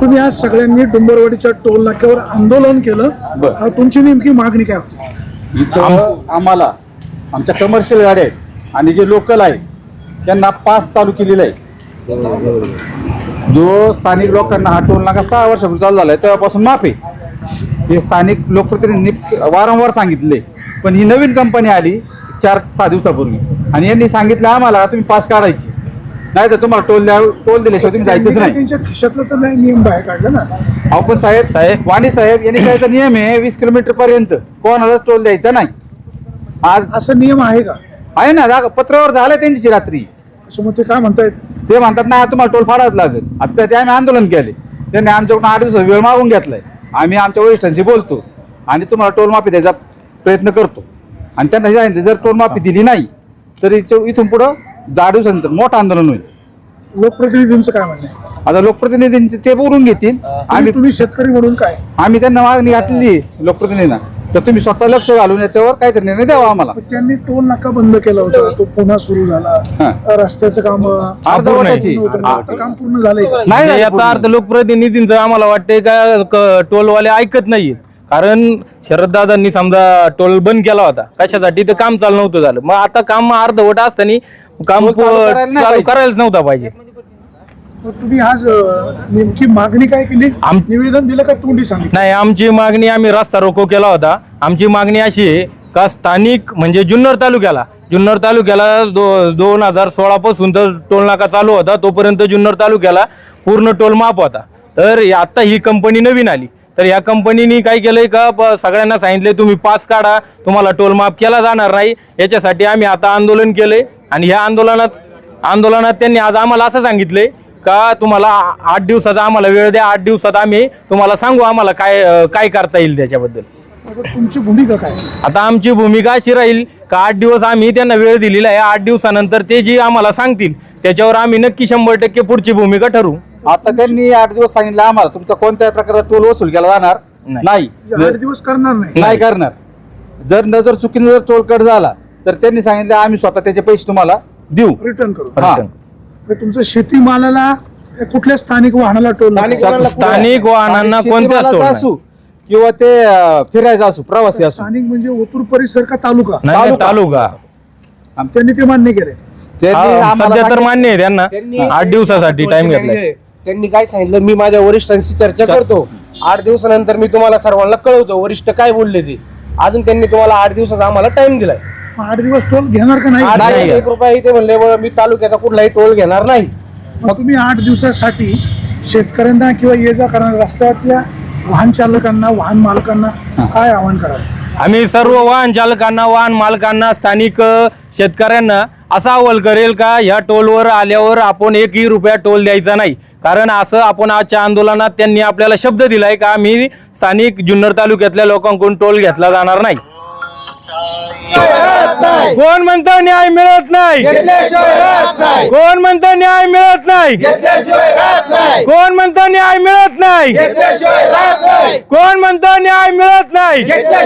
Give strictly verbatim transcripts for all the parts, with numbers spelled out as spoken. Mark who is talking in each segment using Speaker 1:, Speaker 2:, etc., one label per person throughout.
Speaker 1: तुम्ही आज सगळ्यांनी डुंबरवाडीच्या टोल नाक्यावर आंदोलन केलं, तुमची नेमकी मागणी काय होती?
Speaker 2: इथं आम्हाला आमच्या कमर्शियल गाड्या आहेत आणि जे लोकल आहे त्यांना पास चालू केलेला आहे. जो स्थानिक लोकांना हा टोल नाका सहा वर्षापूर्वी चालू झाला आहे तेव्हापासून माफ आहे. हे स्थानिक लोकप्रतिनिधींनी वारंवार सांगितले, पण ही नवीन कंपनी आली चार सहा दिवसापूर्वी आणि यांनी सांगितलं आम्हाला तुम्ही पास काढायची, नाही तर तुम्हाला टोल द्या टोल दिल्याशिवाय तुम्ही जायचंच नाही.
Speaker 1: त्यांच्या खिशातलं तर नाही नियम बाहेर काढला ना.
Speaker 2: अहो पण साहेब साहेब वाणी साहेब यांनी काय तर नियम आहे वीस किलोमीटर पर्यंत कोणालाच टोल द्यायचा नाही. आज
Speaker 1: असं नियम आहे का?
Speaker 2: आहे ना, जागा पत्रावर झालं त्यांची रात्री.
Speaker 1: त्याच्यामुळे ते काय म्हणतायत,
Speaker 2: ते म्हणतात नाही तुम्हाला टोल फाडावं लागेल. आता ते आम्ही आंदोलन केले, त्यांनी आमच्याकडून आठ दिवस वेळ मागून घेतलाय. आम्ही आमच्या वरिष्ठांशी बोलतो आणि तुम्हाला टोल माफी द्यायचा प्रयत्न करतो. आणि त्यांना सांगितलं जर टोल माफी दिली नाही तर इथून पुढं दहा दिवसानंतर मोठं आंदोलन होईल.
Speaker 1: लोकप्रतिनिधींचं काय म्हणणं आहे?
Speaker 2: आता लोकप्रतिनिधींचे ते बोलून घेतील. आम्ही
Speaker 1: तुम्ही शेतकरी म्हणून काय
Speaker 2: आम्ही त्यांना मागणी घातलेली लोकप्रतिनिधींना, तर तुम्ही स्वतः लक्ष घालून याच्यावर काहीतरी निर्णय द्यावा आम्हाला.
Speaker 1: त्यांनी टोल नाका बंद केला होता, तो पुन्हा सुरू झाला. रस्त्याचं काम
Speaker 2: अर्धवटाची
Speaker 1: काम पूर्ण झालंय
Speaker 3: नाही. याचा अर्थ लोकप्रतिनिधींचं आम्हाला वाटतंय का टोलवाले ऐकत नाहीयेत. कारण शरददादांनी समजा टोल बंद केला होता कशासाठी, तर काम चालू नव्हतं झालं. मग आता काम अर्धवट असताना काम चालू करायलाच नव्हता पाहिजे.
Speaker 1: तुम्ही आज नेमकी मागणी काय केली? निवेदन दिलं का तोंडी सांगितलं?
Speaker 3: नाही, आमची मागणी आम्ही रस्ता रोको केला होता. आमची मागणी अशी आहे का स्थानिक म्हणजे जुन्नर तालुक्याला जुन्नर तालुक्याला दो दोन हजार सोळा पासून तर टोल नाका चालू होता, तोपर्यंत जुन्नर तालुक्याला पूर्ण टोल माफ होता. तर आता ही कंपनी नवीन आली, तर या कंपनीने काय केलंय का सगळ्यांना सांगितले तुम्ही पास काढा, तुम्हाला टोल माफ केला जाणार नाही. याच्यासाठी आम्ही आता आंदोलन केलंय आणि ह्या आंदोलनात आंदोलनात त्यांनी आज आम्हाला असं सांगितलंय का तुम्हाला आठ दिवसाचा आम्हाला वेळ द्या, आठ दिवसात आम्ही तुम्हाला सांगू आम्हाला काय काय करता येईल त्याच्याबद्दल.
Speaker 1: तुमची भूमिका काय?
Speaker 3: आता आमची भूमिका अशी राहील का आठ दिवस आम्ही त्यांना वेळ दिलेला आहे. आठ दिवसानंतर ते जी आम्हाला सांगतील त्याच्यावर आम्ही नक्की शंभर टक्के पुढची भूमिका ठरवू.
Speaker 2: आता त्यांनी आठ दिवस सांगितलं आम्हाला तुमचा कोणत्याही प्रकारचा टोल वसूल केला जाणार नाही.
Speaker 1: आठ दिवस करणार नाही
Speaker 2: नाही करणार. जर नजर चुकीने जर टोल कट झाला तर त्यांनी सांगितलं आम्ही स्वतः त्याचे पैसे तुम्हाला देऊ,
Speaker 1: रिटर्न करू.
Speaker 2: हा.
Speaker 1: तुमचं शेतीमालाला कुठल्या स्थानिक वाहनाला टोल?
Speaker 3: स्थानिक वाहनांना कोणत्याच टोल
Speaker 2: असू किंवा ते फिरायचं असू, प्रवासी असू.
Speaker 1: स्थानिक म्हणजे ओतूर परिसर का तालुका?
Speaker 3: नाही, तालुका.
Speaker 1: त्यांनी ते मान्य केले.
Speaker 3: सध्या तर मान्य आहे त्यांना. आठ दिवसासाठी टाइम घेतलाय.
Speaker 4: त्यांनी काय सांगितलं, मी माझ्या वरिष्ठांशी चर्चा करतो, आठ दिवसानंतर मी तुम्हाला सर्वांना कळवतो वरिष्ठ काय बोलले ते. अजून त्यांनी तुम्हाला आठ दिवसाचा आम्हाला टाइम दिलाय.
Speaker 1: आठ दिवस टोल घेणार का नाही?
Speaker 4: एक रुपया इथे म्हणले मी तालुक्याचा कुठलाही टोल घेणार नाही.
Speaker 1: मग तुम्ही आठ दिवसासाठी शेतकऱ्यांना किंवा ये जा करणाऱ्या रस्त्यातल्या वाहन चालकांना वाहन मालकांना काय आवाहन कराल?
Speaker 3: आम्ही सर्व वाहन चालकांना वाहन मालकांना स्थानिक शेतकऱ्यांना असा अहवाल करेल का ह्या टोलवर आल्यावर आपण एकही रुपया टोल द्यायचा नाही. कारण असं आपण आजच्या आंदोलनात त्यांनी आपल्याला शब्द दिलाय का आम्ही स्थानिक जुन्नर तालुक्यातल्या लोकांकडून टोल घेतला जाणार नाही. कोण म्हणतं न्याय मिळत नाही? कोण म्हणतं न्याय मिळत नाही? कोण म्हणतं न्याय मिळत नाही? कोण म्हणतं न्याय मिळत नाही?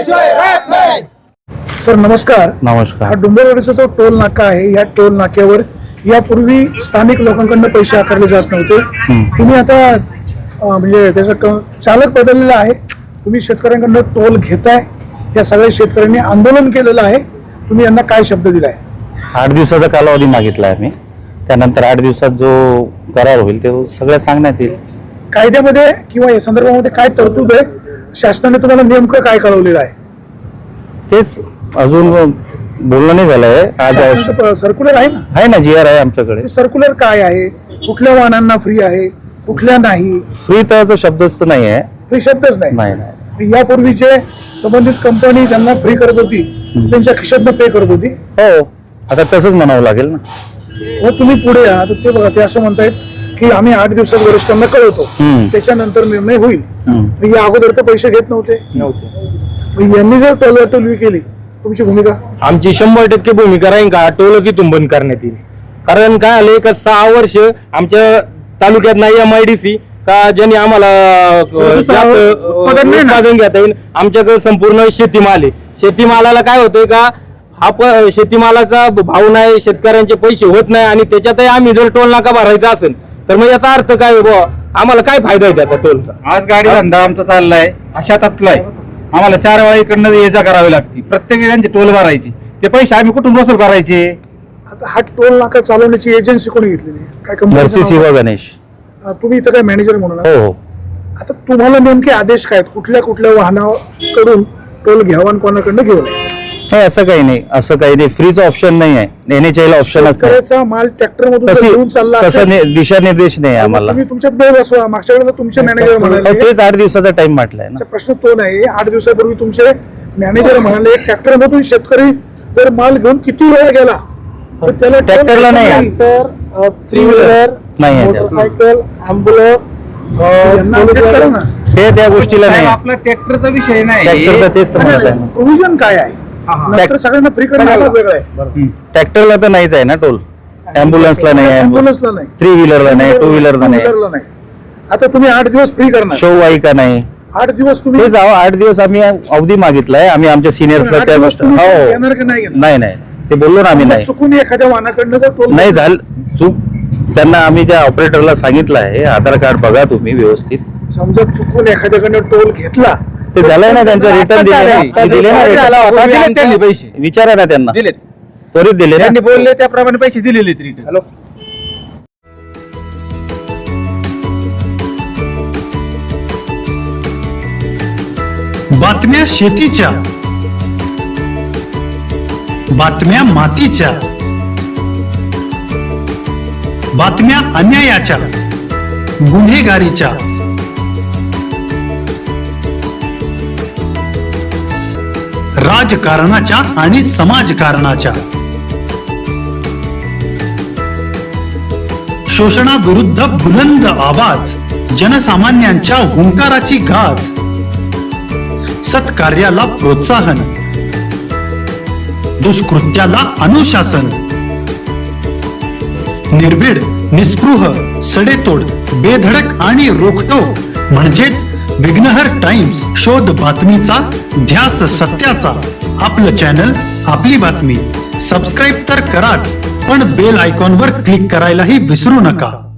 Speaker 1: सर नमस्कार.
Speaker 3: नमस्कार.
Speaker 1: हा डुंबरवाडीचा जो टोल नाका आहे, या टोल नाक्यावर यापूर्वी स्थानिक लोकांकडून पैसे आकारले जात नव्हते. तुम्ही आता म्हणजे त्याचा चालक बदललेला आहे, तुम्ही शेतकऱ्यांकडून टोल घेताय. या सगळ्या शेतकऱ्यांनी आंदोलन केलेलं आहे, तुम्ही यांना काय शब्द दिलाय?
Speaker 5: आठ दिवसाचा कालावधी मागितला आहे मी. त्यानंतर आठ दिवसात जो करार होईल ते सगळं सांगण्यात येईल.
Speaker 1: कायद्यामध्ये किंवा या संदर्भामध्ये काय तरतूद आहे? शासनाने तुम्हाला नेमकं काय कळवलेलं आहे?
Speaker 5: तेच अजून बोलणं नाही झालंय. आज
Speaker 1: सर्क्युलर आहे ना?
Speaker 5: आहे ना, जी आर आहे आमच्याकडे.
Speaker 1: सर्क्युलर काय आहे? कुठल्या वाहनांना फ्री आहे, कुठल्या नाही?
Speaker 5: फ्री तर शब्दच तर नाही आहे.
Speaker 1: फ्री शब्दच नाही.
Speaker 5: नाही नाही
Speaker 1: यापूर्वी जे संबंधित कंपनी त्यांना फ्री करत होती त्यांच्या खिशातनं पे करत होती.
Speaker 5: हो, आता तसंच म्हणावं लागेल ना.
Speaker 1: हो, तुम्ही पुढे या. तर ते बघा, ते असं म्हणतायत की आम्ही आठ दिवसात वरिष्ठांना कळवतो, त्याच्यानंतर निर्णय होईल. या अगोदर तर पैसे घेत नव्हते नव्हते यांनी जर टोलवाटोलवी केली, तुमची भूमिका?
Speaker 3: आमची शंभर टक्के भूमिका राहील का टोल कितून बंद करण्यात येईल. कारण काय आलंय का सहा वर्ष आमच्या तालुक्यात नाही एम आय डी सी का ज्यांनी आम्हाला उत्पादन घेता येईल. आमच्याकडे संपूर्ण शेतीमाल आहे. शेतीमालाला काय होतंय का हा शेतीमालाचा भाव नाही, शेतकऱ्यांचे पैसे होत नाही आणि त्याच्यातही आम्ही जर टोल नाका भरायचा असेल तर मग याचा अर्थ काय बुवा आम्हाला काय फायदा आहे त्याचा टोलचा?
Speaker 2: आज गाडी धंदा आमचा चाललाय शेतातला आहे, आम्हाला चार वेळा इकडनं ये जा करावी लागते, प्रत्येक त्यांचे टोल भरायचे, ते पैसे आम्ही कुठून वसूल करायचे?
Speaker 1: आता हा टोल नाका चालवण्याची एजन्सी कोणी घेतलेली आहे? काय कंपनीचं
Speaker 5: नरसी
Speaker 1: नाव
Speaker 5: शिवा
Speaker 1: आहे?
Speaker 5: गणेश.
Speaker 1: अं, तुम्ही इथं काय मॅनेजर म्हणून आहात?
Speaker 5: हो हो.
Speaker 1: आता तुम्हाला नेमके आदेश काय आहेत? कुठल्या कुठल्या वाहनाकडून टोल घ्यावा आणि कोणाकडनं घेऊ नये?
Speaker 5: नाही असं काही नाही, असं काही नाही. फ्रीचं ऑप्शन नाही आहे, एनएचआयला ऑप्शन असतं.
Speaker 1: शेतकऱ्याचा माल ट्रॅक्टर मधून जर घेऊन चालला
Speaker 5: तसं
Speaker 1: असेल,
Speaker 5: नि- दिशानिर्देश नाही आम्हाला.
Speaker 1: तुम्ही तुमच्या बेल बसवा. मागच्या वेळेला तुमचे मॅनेजर
Speaker 5: हो,
Speaker 1: म्हणाले,
Speaker 5: तेच आठ दिवसाचा टाइम म्हटलाय ना.
Speaker 1: आमचा प्रश्न तो नाही. आठ दिवसापूर्वी तुमचे मॅनेजर म्हणाले ट्रॅक्टर मधून शेतकरी जर माल घेऊन किती वेळा गेला तर त्याला टोल
Speaker 5: ट्रॅक्टरला नाही आहे.
Speaker 1: तर थ्री व्हीलर,
Speaker 5: नाही आहे त्याला.
Speaker 1: मोटरसायकल, अँब्युलन्स यांना update करा ना.
Speaker 5: ते त्या गोष्टीला नाही
Speaker 2: साहेब,
Speaker 5: आहे.
Speaker 2: आपला ट्रॅक्टरचा विषय नाही.
Speaker 5: ट्रॅक्टरचं तेच तर म्हणत आहे ना.
Speaker 1: प्रोव्हिजन काय आहे? नंतर सगळ्यांना फ्री करण्याला वेगळं आहे.
Speaker 5: ट्रॅक्टरला तर नाहीच आहे ना टोल, अँब्युलन्सला नाही आहे,
Speaker 1: अँब्युलन्सला नाही,
Speaker 5: थ्री व्हीलरला नाही, टू व्हीलरला नाही,
Speaker 1: व्हीलरला नाही. आता तुम्ही आठ दिवस फ्री करणार.
Speaker 5: शो वाहिका नाही.
Speaker 1: आठ दिवस तुम्ही
Speaker 5: ते जावं, आठ दिवस आम्ही अवधी मागितलाय आम्ही आमच्या सिनियर्सला
Speaker 1: आठ
Speaker 5: त्या
Speaker 1: दिवस
Speaker 5: गोष्टी.
Speaker 1: तुम्ही
Speaker 5: हो
Speaker 1: येणार की नाही येणार?
Speaker 5: नाही नाही ते बोललो ना आम्ही नाही
Speaker 1: चुकून एखाद्या वाहनाकडनं जर टोल
Speaker 5: नाही झालं चूक. त्यांना आम्ही त्या ऑपरेटरला सांगितलं आहे आधार कार्ड बघा तुम्ही व्यवस्थित.
Speaker 1: समजा चुकून एखाद्याकडनं टोल घेतला
Speaker 5: ते झालंय ना त्यांचं रिटर्न दिले ना ते दिले ना
Speaker 2: झाला
Speaker 5: return.
Speaker 2: होता, दिलेत त्यांनी पैसे
Speaker 5: विचारा ना त्यांना,
Speaker 2: दिलेत,
Speaker 5: त्वरित दिले ना.
Speaker 2: त्यांनी बोलले त्याप्रमाणे पैसे दिलेले रिटर्न. हॅलो,
Speaker 6: बातम्या शेतीच्या, बातम्या मातीच्या, बातम्या अन्यायाच्या, गुन्हेगारीच्या, राजकारणाच्या आणि समाजकारणाच्या, शोषणाविरुद्ध बुलंद आवाज, जनसामान्यांच्या हुंकाराची गाज, सत्कार्याला प्रोत्साहन, दुष्कृत्याला अनुशासन, निर्भीड, निस्पृह, सडेतोड, बेधडक आणि रोखटोक म्हणजेच विघ्नहर टाइम्स. शोध बातमीचा, ध्यास सत्याचा. आपलं चॅनल, आपली बातमी. सबस्क्राईब तर कराच, पण बेल आयकॉनवर क्लिक करायलाही विसरू नका.